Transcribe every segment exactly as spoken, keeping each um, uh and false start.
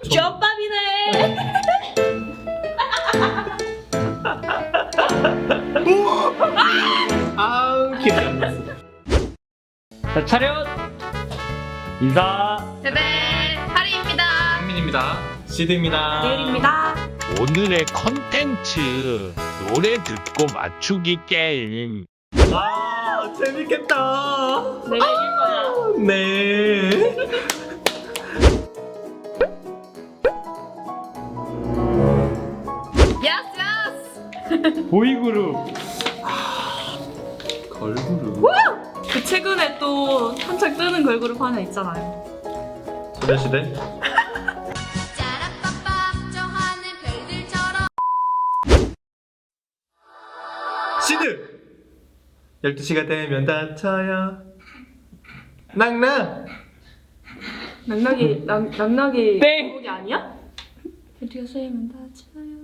겹밥이네. 아우 기억이 안 났어. 자, 차렷! 인사! 베베 하리입니다. 한민입니다. 시드입니다. 내일입니다. 오늘의 컨텐츠 노래 듣고 맞추기 게임. 아 재밌겠다. 내가 이길 거야. 네. 야스 야스. 보이그룹! 걸그룹. 그 최근에 또 한창 뜨는 걸그룹 하나 있잖아요. 소녀시대. 짜라빠빠 저 하늘 별들처럼 시드. 열두 시가 되면 다쳐요. 낙낙. 낙낙이 낙 낙낙이 땡! 곡이 아니야? 드디어 세면 다쳐요.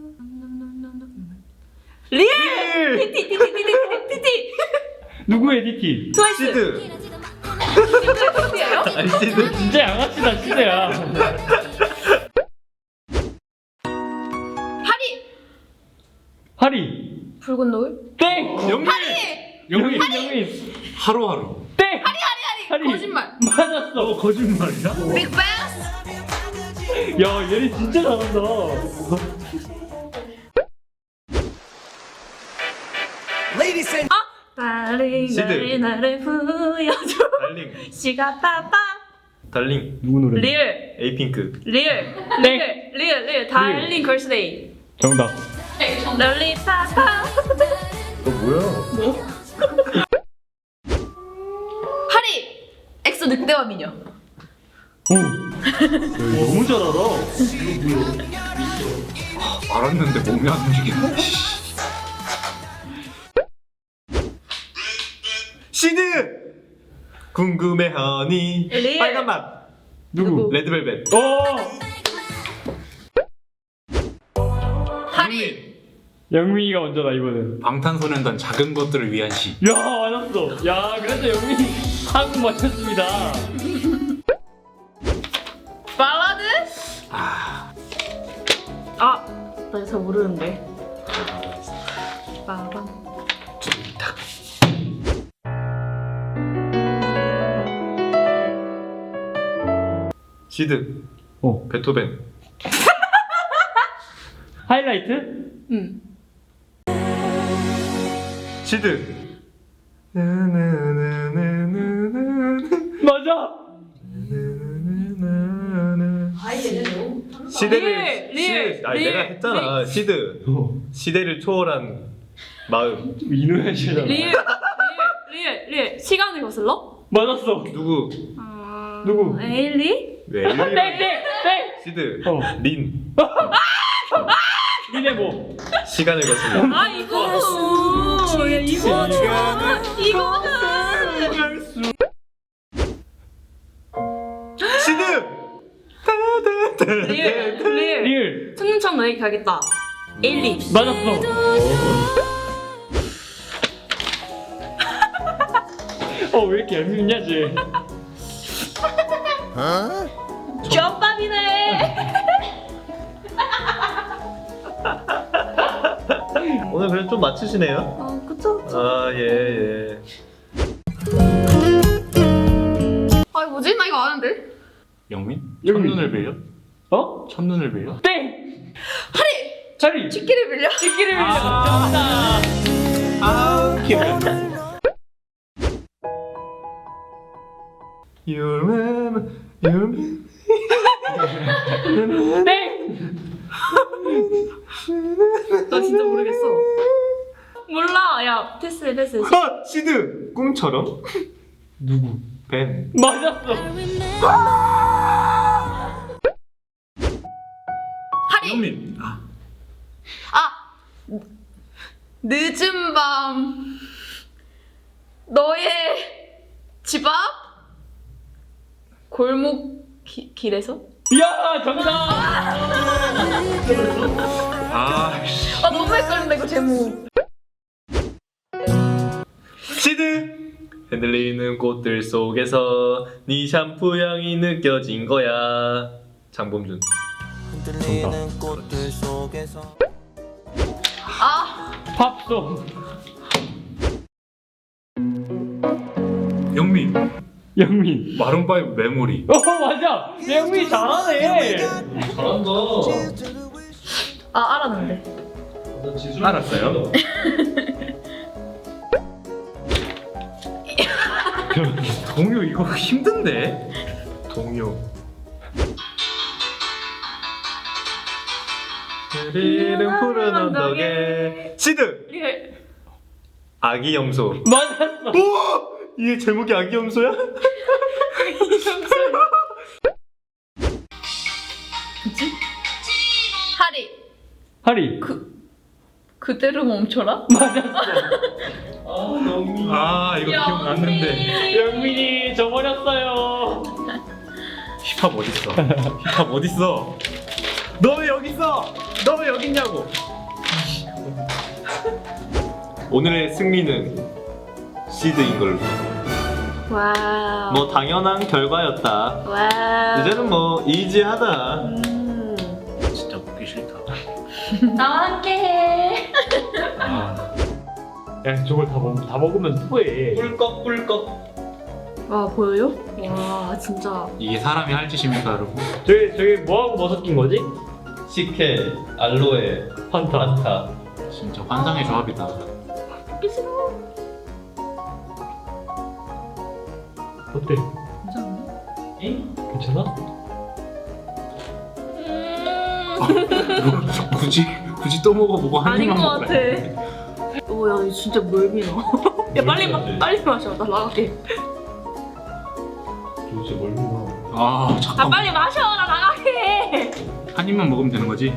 리얼. 일. 티티 티티 티티 티티. 누구의 디티? 트와이스. 시드. 티티예요? 아니 시드. 진짜 양아치다, 시대야. 하리. 하리! 붉은 노을. 땡! 영민. 영민! 영민! 하루하루. 땡! 하리 하리 하리! 거짓말. 맞았어! 어, 거짓말이야? 빅뱅. 야, 얘네 진짜 잘한다. 달링 시드. 나를 나를 보여줘. 달링. 시가 빠빠. 달링. 누구 노래? 리얼 에이핑크. 리얼 리얼 리얼 리얼 달링 걸스데이. 정답. 롤리파파. 너 뭐야? 하리. 엑소 늑대와 미녀. 오! 야, 너무 잘 알아. 알았는데 몸이 안 움직이네. 시드. 궁금해하니. 리얼. 빨간 맛. 누구? 레드벨벳. 어! 하리. 영민이가 먼저다, 이번엔. 방탄소년단 작은 것들을 위한 시. 야, 맞았어. 야, 그래서 영민이 한국 맞췄습니다. 발라드. 아. 아, 나 잘 모르는데. 빠밤. 딱. 시드. 어. 베토벤. 하이라이트? 응. 시드. 맞아! 시대를 리얼, 리얼, 시, 아니 리얼, 내가 했잖아. 시드. 어. 시대를 초월한 마음. 이노현 씨잖아. 리얼 리얼 리얼 리얼 시간을 거슬러? 맞았어. 누구? 어... 누구? 에일리? 왜? 땡! 땡! 땡! 시드. 어. 린. 니네 뭐? 시간을 거슬러. 아 이거는 야, 이거는 이거는 시드. 리얼 리얼 리을. 천년천 너에게 가겠다. 에일리. 맞았어. 어, 왜 이렇게 얄밉냐, 쟤. 겹밥이네. 오늘 그래도 좀 맞추시네요. 어 그쵸 그쵸. 아 예 예. 아 뭐지 나 이거 아는데. 영민? 영민. 첫눈을 빌려? 어? 첫눈을 빌려? 땡! 하리. 자리! 치기를 빌려. 치기를 빌려. 아. 정답. 아 기억이 안 나. You're my, you're my. 땡! 나 진짜 모르겠어. 몰라. 야 패스해 패스해. 아 시드. 꿈처럼. 누구? 벤. 맞았어. 하리. 영민. 아. 아 늦은 밤 너의 집 앞 골목 기, 길에서. 야, 정답! 아. 아 너무 헷갈린다 이거 제목. 시드. 흔들리는 꽃들 속에서 네 샴푸 향이 느껴진 거야. 장범준. 아 팝송. 영민 영민. 마룬파이브 메모리. 어 맞아. 영민이 잘하네. 잘한다. 아, 알았는데. 알았어요? 동요 이거 힘든데? 동요 흐리는 푸른 언덕에 시드! 리얼. 아기 염소. 맞았어. 오! 이게 제목이 아기 염소야? 뭐지? 하리. 하리. 그대로 멈춰라? 맞았어. 아 영민. 아 이거 기억났는데. 영민이 져버렸어요. 힙합 어딨어? 힙합 어딨어? 너 왜 여기 있어? 너 왜 여기 있냐고? 오늘의 승리는 시드인 걸로. 와우. 뭐 당연한 결과였다. 와우. 이제는 뭐 이지하다. 음. 진짜 먹기 싫다. 나와 함께해. 야 저걸 다, 먹, 다 먹으면 토해. 꿀꺽 꿀꺽. 와, 보여요? 와, 진짜. 이게 사람이 할 짓입니까 여러분? 저기 저기 뭐하고 뭐 섞인 거지? 식혜, 알로에, 판타. 판타. 진짜 환상의 조합이다. 먹기 싫어. 어때? 괜찮은데? 응? 괜찮아? 음. 굳이 굳이 또 먹어보고 한 아닌 입만 것 같아. 먹으래. 오, 야, 이거 진짜 멀미나. 야, 빨리 마, 빨리 마셔. 나 나갈게. 도대체 뭘 믿어? 아 아, 잠깐. 빨리 마셔. 나 나갈게. 한 입만 먹으면 되는 거지?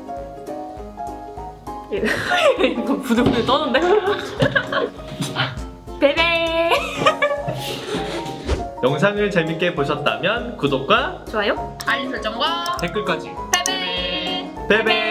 이거 부들부들 떠는데? 베베. 영상을 재밌게 보셨다면 구독과 좋아요. 알림 설정과 댓글까지. 베베. 베베.